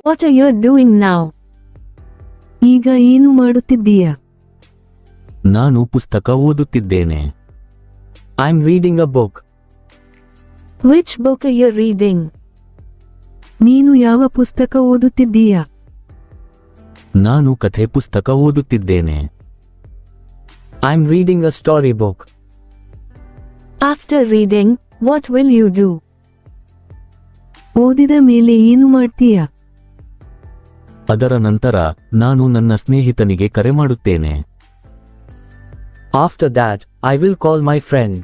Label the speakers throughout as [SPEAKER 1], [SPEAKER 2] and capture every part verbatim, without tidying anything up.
[SPEAKER 1] What are you doing now?
[SPEAKER 2] ಈಗ ಏನು ಮಾಡುತ್ತಿದ್ದೀಯ?
[SPEAKER 3] ನಾನು ಪುಸ್ತಕ ಓದುತ್ತಿದ್ದೇನೆ.
[SPEAKER 4] I'm reading a book.
[SPEAKER 1] Which book are you reading?
[SPEAKER 2] ನೀನು ಯಾವ ಪುಸ್ತಕ ಓದುತ್ತಿದ್ದೀಯ?
[SPEAKER 3] ನಾನು ಕಥೆ ಪುಸ್ತಕ ಓದುತ್ತಿದ್ದೇನೆ.
[SPEAKER 4] I'm reading a storybook.
[SPEAKER 1] After reading, what will you do?
[SPEAKER 2] ಓದಿದ ಮೇಲೆ ಏನು ಮಾಡ್ತೀಯ?
[SPEAKER 3] ಅದರ ನಂತರ ನಾನು ನನ್ನ ಸ್ನೇಹಿತನಿಗೆ ಕರೆ ಮಾಡುತ್ತೇನೆ.
[SPEAKER 4] After that, I will call my friend.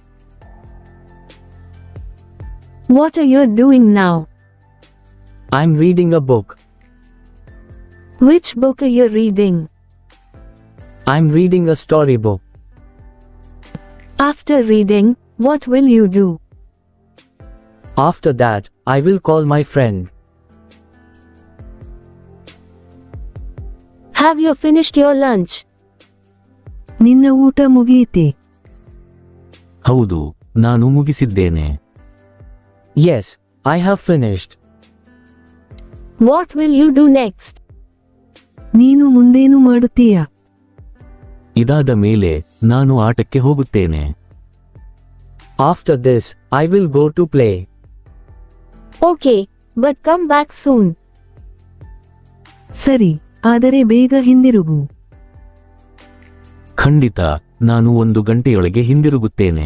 [SPEAKER 1] What are you doing now?
[SPEAKER 4] I'm reading a book.
[SPEAKER 1] Which book are you reading?
[SPEAKER 4] I'm reading a storybook.
[SPEAKER 1] After reading, what will you do?
[SPEAKER 4] After that, I will call my friend.
[SPEAKER 1] Have you finished your lunch?
[SPEAKER 2] ನಿನ್ನ ಊಟ ಮುಗಿಯಿತೆ?
[SPEAKER 3] ಹೌದು, ನಾನು ಮುಗಿಸಿದ್ದೇನೆ.
[SPEAKER 4] Yes, I have finished.
[SPEAKER 1] What will you do next?
[SPEAKER 2] ನೀನು ಮುಂದೇನು ಮಾಡುತ್ತೀಯ?
[SPEAKER 3] ಇದಾದ ಮೇಲೆ ನಾನು ಆಟಕ್ಕೆ ಹೋಗುತ್ತೇನೆ.
[SPEAKER 4] After this, I will go to play.
[SPEAKER 1] Okay, but come back soon.
[SPEAKER 2] ಸರಿ, ಆದರೆ ಬೇಗ ಹಿಂದಿರುಗು.
[SPEAKER 3] ಖಂಡಿತ, ನಾನು ಒಂದು ಗಂಟೆಯೊಳಗೆ ಹಿಂದಿರುಗುತ್ತೇನೆ.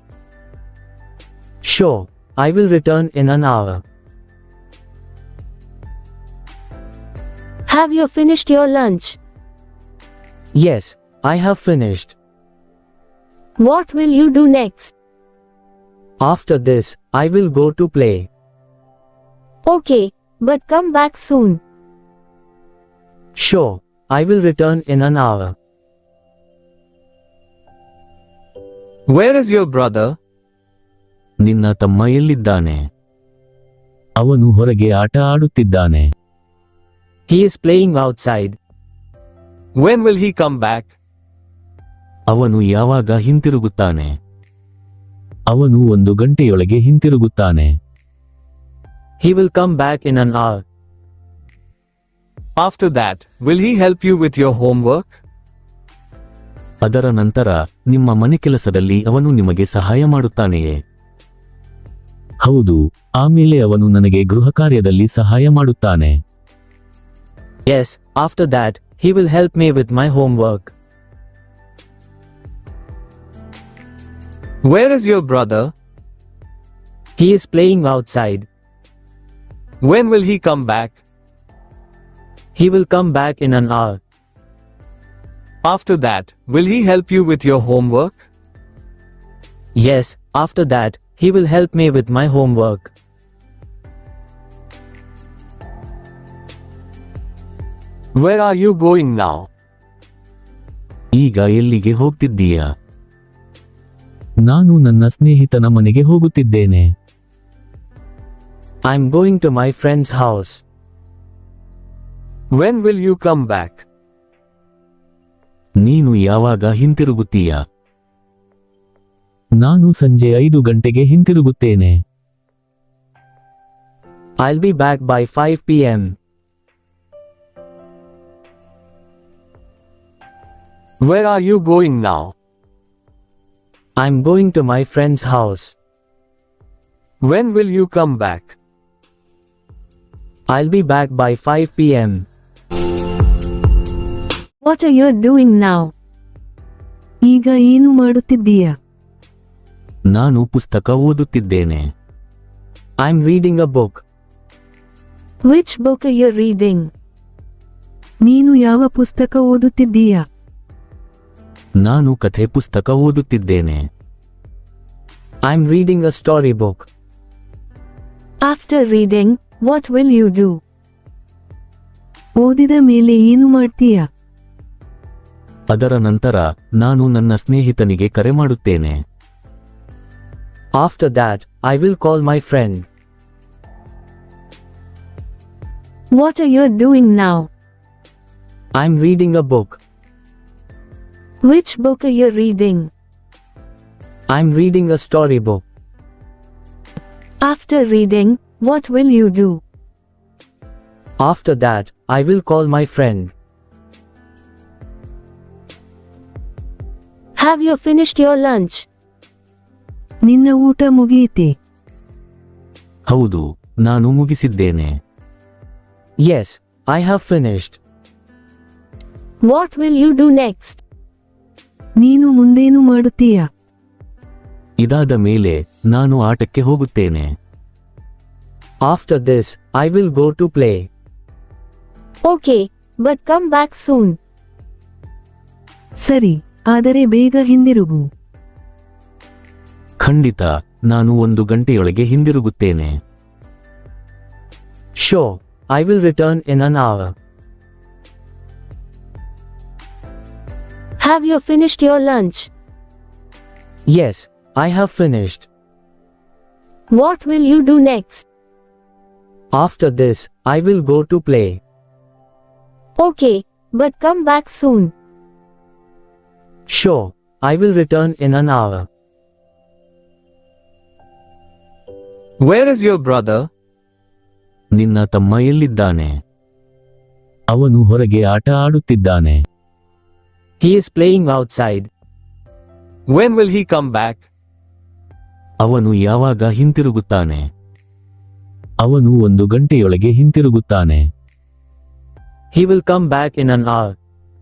[SPEAKER 4] Sure, I will return in an hour.
[SPEAKER 1] Have you finished your lunch?
[SPEAKER 4] Yes, I have finished.
[SPEAKER 1] What will you do next?
[SPEAKER 4] After this, I will go to play.
[SPEAKER 1] Okay, but come back soon.
[SPEAKER 4] Sure, I will return in an hour.
[SPEAKER 5] Where is your brother?
[SPEAKER 3] ನಿನ್ನ ತಮ್ಮ ಎಲ್ಲಿದ್ದಾನೆ? ಅವನು ಹೊರಗೆ ಆಟ ಆಡುತ್ತಿದ್ದಾನೆ.
[SPEAKER 4] He is playing outside.
[SPEAKER 5] When will he come back?
[SPEAKER 3] ಅವನು ಯಾವಾಗ ಹಿಂತಿರುಗುತ್ತಾನೆ? ಅವನು ಒಂದು ಗಂಟೆಯೊಳಗೆ ಹಿಂತಿರುಗುತ್ತಾನೆ.
[SPEAKER 4] He will come back in an hour.
[SPEAKER 5] After that, will he help you with your homework?
[SPEAKER 3] ಅದರ ನಂತರ ನಿಮ್ಮ ಮನೆ ಕೆಲಸದಲ್ಲಿ ಅವನು ನಿಮಗೆ ಸಹಾಯ ಮಾಡುತ್ತಾನೆಯೇ? ಹೌದು, ಆಮೇಲೆ ಅವನು ನನಗೆ ಗೃಹ ಕಾರ್ಯದಲ್ಲಿ ಸಹಾಯ ಮಾಡುತ್ತಾನೆ.
[SPEAKER 4] Yes, after that, he will help me with my homework.
[SPEAKER 5] Where is your brother?
[SPEAKER 4] He is playing outside.
[SPEAKER 5] When will he come back?
[SPEAKER 4] He will come back in an hour.
[SPEAKER 5] After that, will he help you with your homework?
[SPEAKER 4] Yes, after that, he will help me with my homework.
[SPEAKER 5] Where are you going now?
[SPEAKER 3] ಈಗ ಎಲ್ಲಿಗೆ ಹೋಗ್ತಿದ್ದೀಯಾ? ನಾನು ನನ್ನ ಸ್ನೇಹಿತನ ಮನೆಗೆ ಹೋಗುತ್ತಿದ್ದೇನೆ.
[SPEAKER 4] I'm going to my friend's house.
[SPEAKER 5] When will you come back?
[SPEAKER 3] ನೀನು ಯಾವಾಗ ಹಿಂತಿರುಗುತ್ತೀಯಾ? ನಾನು ಸಂಜೆ ಐದು ಗಂಟೆಗೆ ಹಿಂತಿರುಗುತ್ತೇನೆ.
[SPEAKER 4] I'll be back by five p m
[SPEAKER 5] Where are you going now?
[SPEAKER 4] I'm going to my friend's house.
[SPEAKER 5] When will you come back?
[SPEAKER 4] I'll be back by five p m
[SPEAKER 1] What are you doing now?
[SPEAKER 2] ಈಗ ಏನು ಮಾಡುತ್ತಿದ್ದೀಯ?
[SPEAKER 3] ನಾನು ಪುಸ್ತಕ ಓದುತ್ತಿದ್ದೇನೆ.
[SPEAKER 4] I'm reading a book.
[SPEAKER 1] Which book are you reading?
[SPEAKER 2] ನೀನು ಯಾವ ಪುಸ್ತಕ ಓದುತ್ತಿದ್ದೀಯ?
[SPEAKER 3] ನಾನು ಕಥೆ ಪುಸ್ತಕ ಓದುತ್ತಿದ್ದೇನೆ.
[SPEAKER 4] I'm reading a storybook.
[SPEAKER 1] After reading, what will you do?
[SPEAKER 2] ಓದಿದ ಮೇಲೆ ಏನು ಮಾಡ್ತೀಯ?
[SPEAKER 3] ಅದರ ನಂತರ ನಾನು ನನ್ನ ಸ್ನೇಹಿತನಿಗೆ ಕರೆ ಮಾಡುತ್ತೇನೆ.
[SPEAKER 4] After that, I will call my friend.
[SPEAKER 1] What are you doing now?
[SPEAKER 4] I'm reading a book.
[SPEAKER 1] Which book are you reading?
[SPEAKER 4] I'm reading a storybook.
[SPEAKER 1] After reading, what will you do?
[SPEAKER 4] After that, I will call my friend.
[SPEAKER 1] Have you finished your lunch?
[SPEAKER 2] ನಿನ್ನ ಊಟ ಮುಗಿಯಿತೆ?
[SPEAKER 3] ಹೌದು, ನಾನು ಮುಗಿಸಿದ್ದೇನೆ.
[SPEAKER 4] Yes, I have finished.
[SPEAKER 1] What will you do next?
[SPEAKER 2] ನೀನು ಮುಂದೇನು ಮಾಡುತ್ತೀಯ?
[SPEAKER 3] ಇದಾದ ಮೇಲೆ ನಾನು ಆಟಕ್ಕೆ ಹೋಗುತ್ತೇನೆ.
[SPEAKER 4] After this, I will go to play.
[SPEAKER 1] Okay, but come back soon.
[SPEAKER 2] ಸರಿ, ಆದರೆ ಬೇಗ ಹಿಂದಿರುಗು.
[SPEAKER 3] ಖಂಡಿತ, ನಾನು ಒಂದು ಗಂಟೆಯೊಳಗೆ ಹಿಂದಿರುಗುತ್ತೇನೆ.
[SPEAKER 4] Sure, I will return in an hour.
[SPEAKER 1] Have you finished your lunch?
[SPEAKER 4] Yes, I have finished.
[SPEAKER 1] What will you do next?
[SPEAKER 4] After this, I will go to play.
[SPEAKER 1] Okay, but come back soon.
[SPEAKER 4] Sure, I will return in an hour.
[SPEAKER 5] Where is your brother?
[SPEAKER 3] ನಿನ್ನ ತಮ್ಮ ಎಲ್ಲಿದ್ದಾನೆ? ಅವನು ಹೊರಗೆ ಆಟ ಆಡುತ್ತಿದ್ದಾನೆ.
[SPEAKER 4] He is playing outside.
[SPEAKER 5] When will he come back?
[SPEAKER 3] ಅವನು ಯಾವಾಗ ಹಿಂತಿರುಗುತ್ತಾನೆ? ಅವನು ಒಂದು ಗಂಟೆಯೊಳಗೆ ಹಿಂತಿರುಗುತ್ತಾನೆ.
[SPEAKER 4] He will come back in an hour.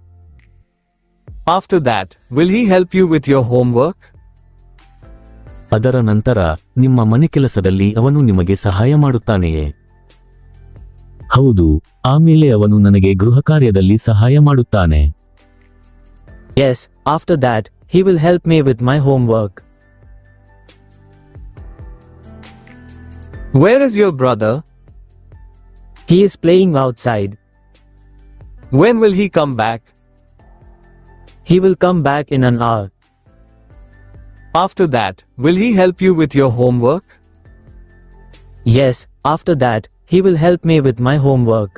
[SPEAKER 5] After that, will he help you with your homework?
[SPEAKER 3] ಅದರ ನಂತರ ನಿಮ್ಮ ಮನೆಕೆಲಸದಲ್ಲಿ ಅವನು ನಿಮಗೆ ಸಹಾಯ ಮಾಡುತ್ತಾನೆಯೇ? ಹೌದು, ಆಮೇಲೆ ಅವನು ನನಗೆ ಗೃಹ ಕಾರ್ಯದಲ್ಲಿ ಸಹಾಯ ಮಾಡುತ್ತಾನೆ.
[SPEAKER 4] Yes, after that, he will help me with my homework.
[SPEAKER 5] Where is your brother?
[SPEAKER 4] He is playing outside.
[SPEAKER 5] When will he come back?
[SPEAKER 4] He will come back in an hour.
[SPEAKER 5] After that, will he help you with your homework?
[SPEAKER 4] Yes, after that, he will help me with my homework.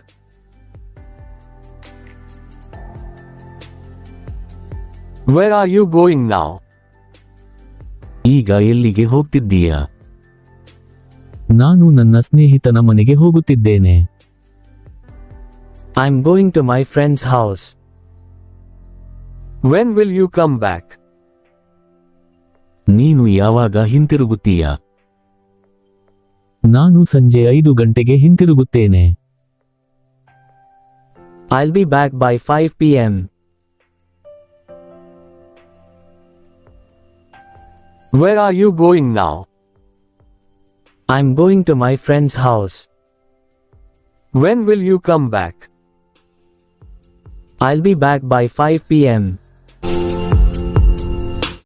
[SPEAKER 5] Where are you going now?
[SPEAKER 3] ಈಗ ಎಲ್ಲಿಗೆ ಹೋಗ್ತಿದ್ದೀಯಾ? ನಾನು ನನ್ನ ಸ್ನೇಹಿತನ ಮನೆಗೆ ಹೋಗುತ್ತಿದ್ದೇನೆ.
[SPEAKER 4] I'm going to my friend's house.
[SPEAKER 5] When will you come back?
[SPEAKER 3] ನೀನು ಯಾವಾಗ ಹಿಂತಿರುಗುತ್ತೀಯಾ? ನಾನು ಸಂಜೆ ಐದು ಗಂಟೆಗೆ ಹಿಂತಿರುಗುತ್ತೇನೆ.
[SPEAKER 4] I'll be back by five p m
[SPEAKER 5] Where are you going now?
[SPEAKER 4] I'm going to my friend's house.
[SPEAKER 5] When will you come back?
[SPEAKER 4] I'll be back by five p m